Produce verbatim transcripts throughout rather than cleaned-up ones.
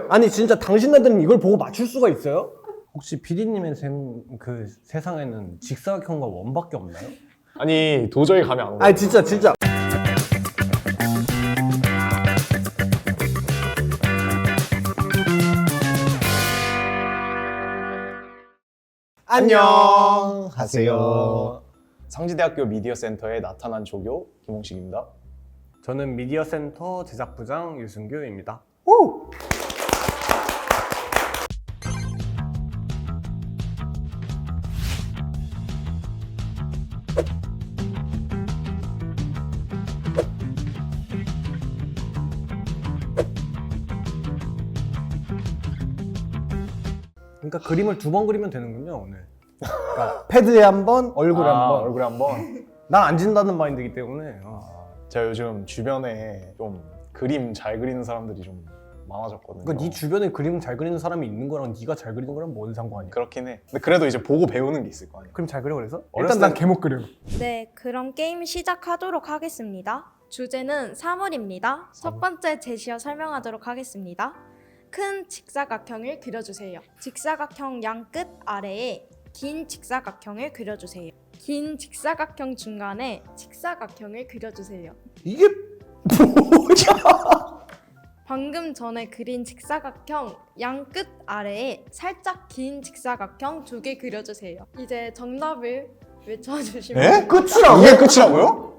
아니 진짜 당신네들은 이걸 보고 맞출 수가 있어요? 혹시 피디님의 생, 그 세상에는 직사각형과 원밖에 없나요? 아니 도저히 감이 안 오네. 아니 진짜 진짜 안녕하세요. 상지대학교 미디어센터에 나타난 조교 김홍식입니다. 저는 미디어센터 제작부장 유승규입니다. 오! 그러니까 그림을 두 번 그리면 되는군요 오늘. 그러니까 패드에 한 번, 얼굴에 아, 한 번. 얼굴에 한번. 난 안 진다는 마인드이기 때문에. 어. 제가 요즘 주변에 좀 그림 잘 그리는 사람들이 좀 많아졌거든요. 그러니까 네 주변에 그림 잘 그리는 사람이 있는 거랑 네가 잘 그리는 거랑 뭔 상관이야? 그렇긴 해. 근데 그래도 이제 보고 배우는 게 있을 거 아니야. 그림 잘 그려 그래서? 어렸을 일단 난 때- 개못 그려. 네, 그럼 게임 시작하도록 하겠습니다. 주제는 사물입니다. 첫 번째 제시어 설명하도록 하겠습니다. 큰 직사각형을 그려주세요. 직사각형 양 끝 아래에 긴 직사각형을 그려주세요. 긴 직사각형 중간에 직사각형을 그려주세요. 이게 뭐야? 방금 전에 그린 직사각형 양 끝 아래에 살짝 긴 직사각형 두 개 그려주세요. 이제 정답을 외쳐주시면 에? 끝이라고? 이게 끝이라고요?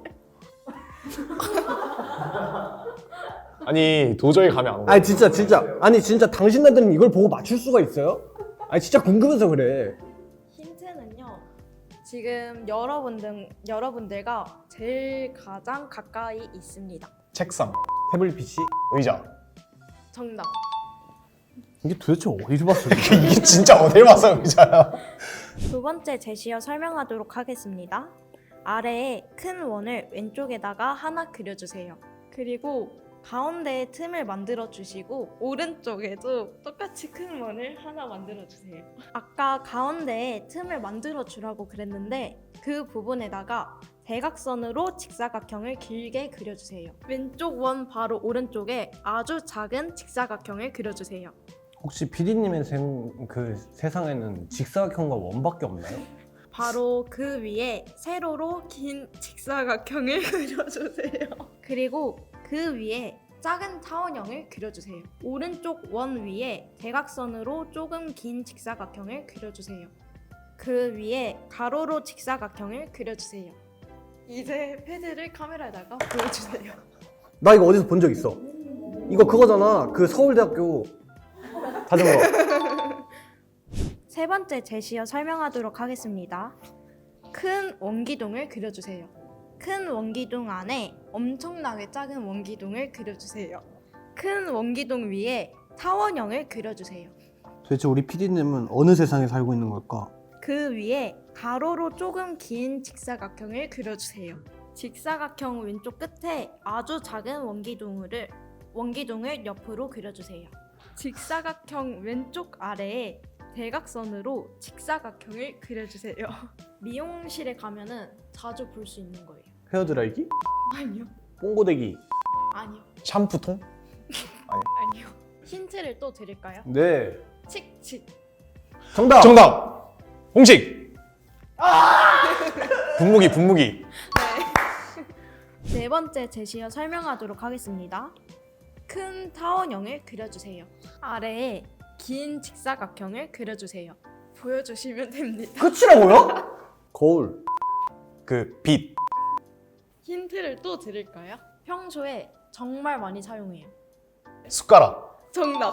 아니 도저히 감이 안 오네. 아니 진짜 진짜 아니 진짜 당신네들은 이걸 보고 맞출 수가 있어요? 아니 진짜 궁금해서 그래. 힌트는요. 지금 여러분들, 여러분들과 제일 가장 가까이 있습니다. 책상, 태블릿 피씨? 의자. 정답. 이게 도대체 어디서 봤어? 이게 진짜 어딜 봐서 의자야. 두 번째 제시어 설명하도록 하겠습니다. 아래에 큰 원을 왼쪽에다가 하나 그려주세요. 그리고 가운데에 틈을 만들어 주시고 오른쪽에도 똑같이 큰 원을 하나 만들어 주세요. 아까 가운데에 틈을 만들어 주라고 그랬는데 그 부분에다가 대각선으로 직사각형을 길게 그려주세요. 왼쪽 원 바로 오른쪽에 아주 작은 직사각형을 그려주세요. 혹시 피디님의 생, 그 세상에는 직사각형과 원밖에 없나요? 바로 그 위에 세로로 긴 직사각형을 그려주세요. 그리고 그 위에 작은 타원형을 그려주세요. 오른쪽 원 위에 대각선으로 조금 긴 직사각형을 그려주세요. 그 위에 가로로 직사각형을 그려주세요. 이제 패드를 카메라에다가 보여주세요. 나 이거 어디서 본 적 있어. 이거 그거잖아. 그 서울대학교 자전거. 세 번째 제시어 설명하도록 하겠습니다. 큰 원기둥을 그려주세요. 큰 원기둥 안에 엄청나게 작은 원기둥을 그려주세요. 큰 원기둥 위에 타원형을 그려주세요. 도대체 우리 피디님은 어느 세상에 살고 있는 걸까? 그 위에 가로로 조금 긴 직사각형을 그려주세요. 직사각형 왼쪽 끝에 아주 작은 원기둥을, 원기둥을 옆으로 그려주세요. 직사각형 왼쪽 아래에 대각선으로 직사각형을 그려주세요. 미용실에 가면은 자주 볼 수 있는 거예요. 헤어드라이기? 아니요. 뽕고데기? 아니요. 샴푸통? 아니요. 힌트를 또 드릴까요? 네. 칙칙. 정답! 정답! 홍식! 분무기 분무기. 네 번째 제시어 설명하도록 하겠습니다. 큰 타원형을 그려주세요. 아래에 긴 직사각형을 그려주세요. 보여주시면 됩니다. 끝이라고요? 거울. 그 빛. 힌트를 또 드릴까요? 평소에 정말 많이 사용해요. 숟가락. 정답.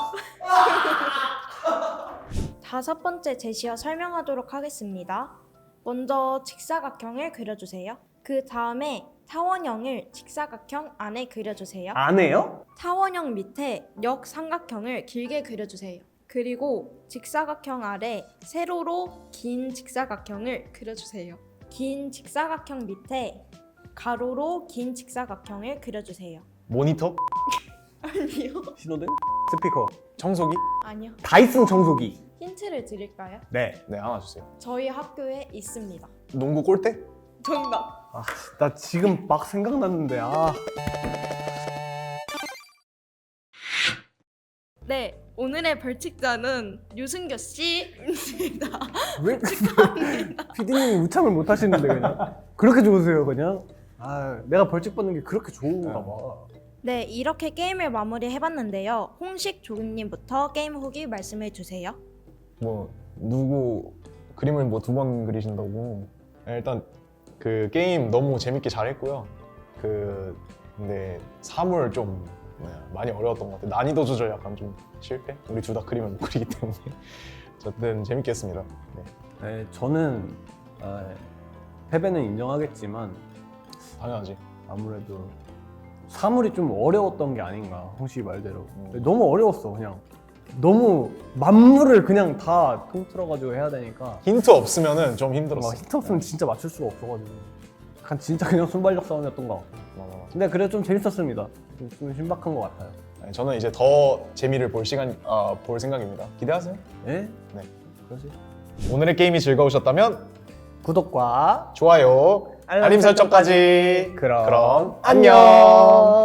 다섯 번째 제시어 설명하도록 하겠습니다. 먼저 직사각형을 그려주세요. 그 다음에 타원형을 직사각형 안에 그려주세요. 안 해요? 타원형 밑에 역삼각형을 길게 그려주세요. 그리고 직사각형 아래 세로로 긴 직사각형을 그려주세요. 긴 직사각형 밑에 가로로 긴 직사각형을 그려주세요. 모니터. 아니요. 신호등? 스피커. 청소기. 아니요. 다이슨 청소기. 힌트를 드릴까요? 네. 네 하나 주세요. 저희 학교에 있습니다. 농구 골대? 정답. 아, 나 지금 막 생각났는데 아. 네, 오늘의 벌칙자는 유승교 씨입니다. 왜 피디님이 우참을 못 하시는데 그냥 그렇게 좋으세요 그냥? 아 내가 벌칙 받는 게 그렇게 좋은가 봐. 네, 이렇게 게임을 마무리해봤는데요. 홍식 조교님부터 게임 후기 말씀해 주세요. 뭐 누구 그림을 뭐 두 번 그리신다고. 일단 그 게임 너무 재밌게 잘했고요. 그 근데 사물 좀 네, 많이 어려웠던 것 같아요. 난이도 조절 약간 좀 실패? 우리 둘 다 그림을 못 그리기 때문에 어쨌든 재밌게 했습니다. 네. 네, 저는 아, 패배는 인정하겠지만 당연하지. 아무래도 사물이 좀 어려웠던 게 아닌가 홍씨 말대로. 음. 너무 어려웠어 그냥. 너무 만물을 그냥 다 통틀어가지고 해야 되니까 힌트 없으면은 좀 힘들었어. 막 힌트 없으면 진짜 맞출 수가 없어가지고 약간 진짜 그냥 순발력 싸움이었던 것 같고. 맞아, 맞아. 근데 그래도 좀 재밌었습니다. 좀, 좀 신박한 것 같아요. 네, 저는 이제 더 재미를 볼 시간, 아, 볼 생각입니다. 기대하세요. 예? 네. 그렇지. 오늘의 게임이 즐거우셨다면 구독과 좋아요, 알림, 알림 설정까지. 그럼 그럼 안녕. 안녕.